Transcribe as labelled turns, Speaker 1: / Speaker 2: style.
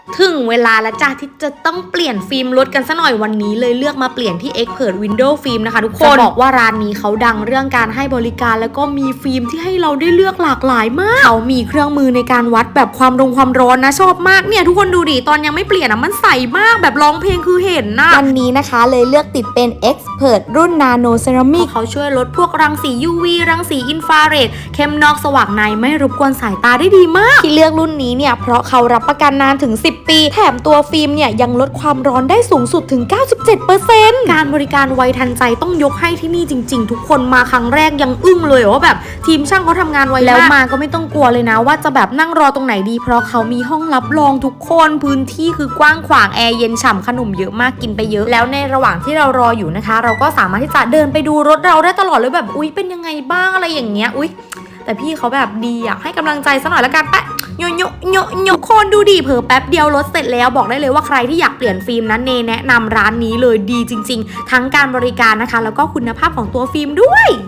Speaker 1: ถึงเวลาแล้วจ้าที่จะต้องเปลี่ยนฟิล์มรถกันซะหน่อยวันนี้เลยเลือกมาเปลี่ยนที่ Expert Window Film นะคะทุกคนจะบอกว่าร้านนี้เขาดังเรื่องการให้บริการแล้วก็มีฟิล์มที่ให้เราได้เลือกหลากหลายมากเขามีเครื่องมือในการวัดแบบความร้อนนะชอบมากเนี่ยทุกคนดูดิตอนยังไม่เปลี่ยนมันใสมากแบบร้องเพลงคือเห็นนะ
Speaker 2: วันนี้นะคะเลยเลือกติดเป็น Expert รุ่น Nano Ceramic
Speaker 1: เขาช่วยลดพวกรังสี UV รังสีอินฟราเรดเข้มนอกสว่างในไม่รบกวนสายตาได้ดีมาก
Speaker 2: ที่เลือกรุ่นนี้เนี่ยเพราะเขารับประกันนานถึง10 ปีแถมตัวฟิล์มเนี่ยยังลดความร้อนได้สูงสุดถึง 97%
Speaker 1: การบริการไวทันใจต้องยกให้ที่นี่จริงๆทุกคนมาครั้งแรกยังอึ้งเลยว่าแบบทีมช่างเขาทำงานไวแล้วมาก็ไม่ต้องกลัวเลยนะว่าจะแบบนั่งรอตรงไหนดีเพราะเขามีห้องรับรองทุกคนพื้นที่คือกว้างขวางแอร์เย็นฉ่ำขนมเยอะมากกินไปเยอะแล้วในระหว่างที่เรารออยู่นะคะเราก็สามารถที่จะเดินไปดูรถเราได้ตลอดเลยแบบอุ๊ยเป็นยังไงบ้างอะไรอย่างเงี้ยอุ๊ยแต่พี่เขาแบบดีอยากให้กำลังใจซะหน่อยละกันแปะโยคนดูดิเผลอแป๊บเดียวรถเสร็จแล้วบอกได้เลยว่าใครที่อยากเปลี่ยนฟิล์มนั้นเนแนะนำร้านนี้เลยดีจริงๆทั้งการบริการนะคะแล้วก็คุณภาพของตัวฟิล์มด้วย